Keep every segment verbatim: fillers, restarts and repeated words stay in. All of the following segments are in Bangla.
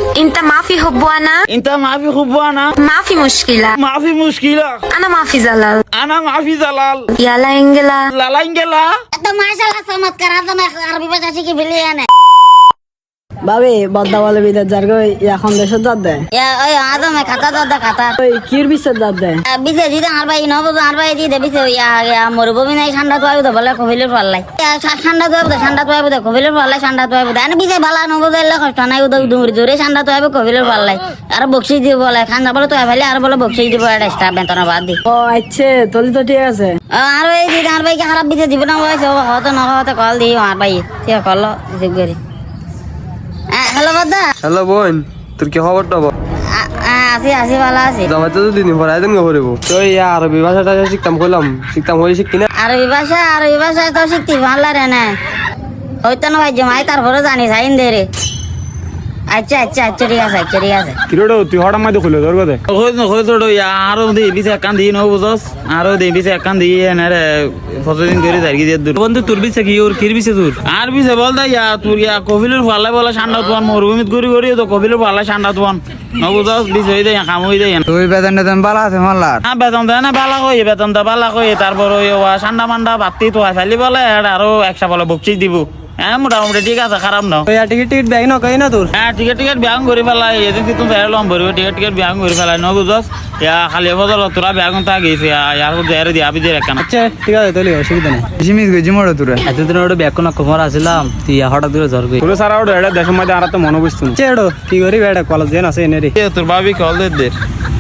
انت ما في حب وانا انت ما في حب وانا ما في مشكلة ما في مشكلة انا ما في زلل انا ما في زلال يلا انجلا لا لا انجلا तो माशाल्लाह चमत्कार आता मैं अरबी भाषा सीखी बिल्ली है ने ভাবি বদ্দা বলে বিদেশ যার গই এখন দেশের যাত দেয় या ओए आदो मैं खाता तो दा खाता ওই কির বিশ্বের যাত দেয় বিছে দিতে আর ভাই নব আর ভাই দিতে বিছে ইয়া ইয়া মরুভূমি নাই ঠান্ডা তো আইবো বলে কবিলের পাল্লাই ঠান্ডা তো আইবো ঠান্ডা তো আইবো কবিলের পাল্লাই ঠান্ডা তো আইবো আনে বিছে বালা নব দিলে কষ্ট নাই উদা দূরে জোরে ঠান্ডা তো আইবো কবিলের পাল্লাই আর বকশি দিব বলে খান্দা বলে তো আইলে আর বলে বকশি দিব এটা স্টাফ বেতন বাদ দি ও আচ্ছা তলি তো ঠিক আছে আর ভাই দিতে আর ভাই কি খারাপ বিছে দিব না হইছে হয়তো না হয়তো কল দি আর ভাই ঠিক কল রিসিভ করি হ্যালো বদ্দা হ্যালো বোন তোর কি খবরটা বল আসি আসি ভালো আছি জামাই তো দুদিন পরে আইতেন গো করিব তো এই আরবি ভাষাটা শিখতাম কইলাম শিখতাম হই শিখতি না আরবি ভাষা আরবি ভাষা তো শিখতে ভালো রে না হইতো না ভাই জমাই তারপরে জানি সাইন দে রে আচ্ছা আচ্ছা আচ্ছা ঠিক আছে আচ্ছা ঠিক আছে কিরোড় তুই হঠাৎ মাঝে খুলে ধর কথা কই না কই তোড় আরো দে বিছে কান দি নো বুঝস আরো দে বিছে কান দি না রে ফটোদিন করে দাঁড়িয়ে দিয়ে দূর বন্ধু তোর বিছে কি ওর কির বিছে তোর আর বিছে বল দা ইয়া তুই ইয়া কবিলের ফালা বলা ঠান্ডা তোন মরুভূমিত গরি গরি তো কবিলের ফালা ঠান্ডা তোন নো বুঝস বিছে হই দে কাম হই দে তুই বেতন টেতন বালা আছে মাল্লার না বেতন দেয় না বালা কই বেতন দা বালা কই তারপর ওই ঠান্ডা মান্ডা বাতি তো ফালি বলে আরো একশো বলে বকচিস দিব হ্যাঁ মোটামুটি ঠিক আছে খারাপ না ওই টিকিট টিকিট ব্যাগ না কই না তোর হ্যাঁ টিকিট টিকিট ব্যাং করে ফেলাই এজেন্সি তুমি এরলাম ভরব টিকিট টিকিট ব্যাং করে ফেলাই ন বুঝস ইয়া খালি বদল তোরা ব্যাগ তা গেছে ইয়ার মধ্যে এর দি আবি দিয়ে রাখা না আচ্ছা ঠিক আছে তাহলে অসুবিধা নেই জিমিস গজি মড় তোরা এতদিন ওটা ব্যাগ কোন খবর আসিলাম তুই হঠাৎ করে ঝর গই তোর সারা ওটা এটা দেশের মধ্যে আর তো মনে বুঝতুন চেড়ো কি করি বেটা কলেজ দেন আছে এনে রে এ তোর ভাবি কল দে দে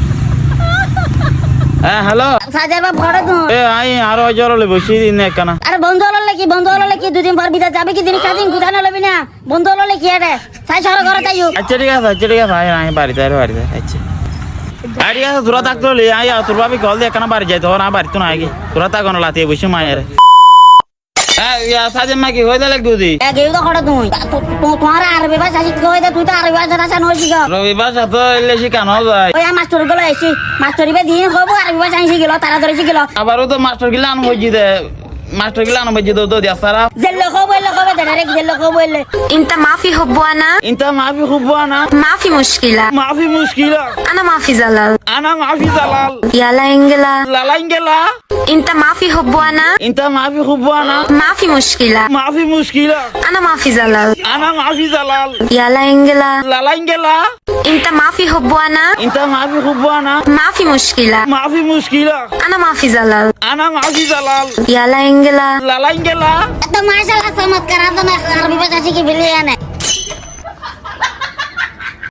হ্যাঁ হ্যালো সাজার বাপ ঘরে তো এ আই আরো জরলে বসি দিন একখানা আরে বন্ধু হলো কি বন্ধু হলো কি দুদিন পর বিদা যাবে কি দিন সাদিন গুদানো লবি না বন্ধু হলো কি এটা সাই সর ঘরে যাইও আচ্ছা ঠিক আছে আচ্ছা ঠিক আছে আই আই বাড়িতে আর বাড়িতে আচ্ছা আর ঠিক আছে তোরা থাকতো লে আই তোর ভাবি কল দে একখানা বাড়ি যাইতো না বাড়িতে না আগে তোরা থাকো না লাতিয়ে বসে মায়ের হ্যাঁ ইয়া সাজে মা কি হইদা লাগতো দি এ গেউ তো ঘরে তুই তোমার আরবি ভাষা শিখতে হইতে তুই তো আরবি ভাষা ভাষা নই শিখ রবিবার সাথে এলে শিখানো যায় ওই মাস্টার গুলো এসি মাস্টারি বে দিন হবো আরবি ভাষা শিখিল তারা ধরে শিখিল আবারও তো মাস্টার গিলা আনো বজি দে মাস্টার গিলা আনো বজি দো দো দিয়া সারা জেল্লো খবো এলো খবো দে রে জেল্লো খবো এলে انت ما في حب وانا انت ما في حب وانا ما في مشكلة ما في مشكلة انا ما في زلل انا ما في زلال يلا انجلا لا لا انجلا انت ما في حب وانا انت ما في حب وانا ما في مشكلة ما في مشكلة انا ما في زلل انا ما في زلال يلا انجلا لا لا انجلا انت ما في حب وانا انت ما في حب وانا ما في مشكلة ما في مشكلة انا ما في زلل انا ما في زلال يلا انجلا لا لا انجلا তো মাশাআল্লাহ চমৎকার আদম আরবি ভাষা শিখি বিলি এনে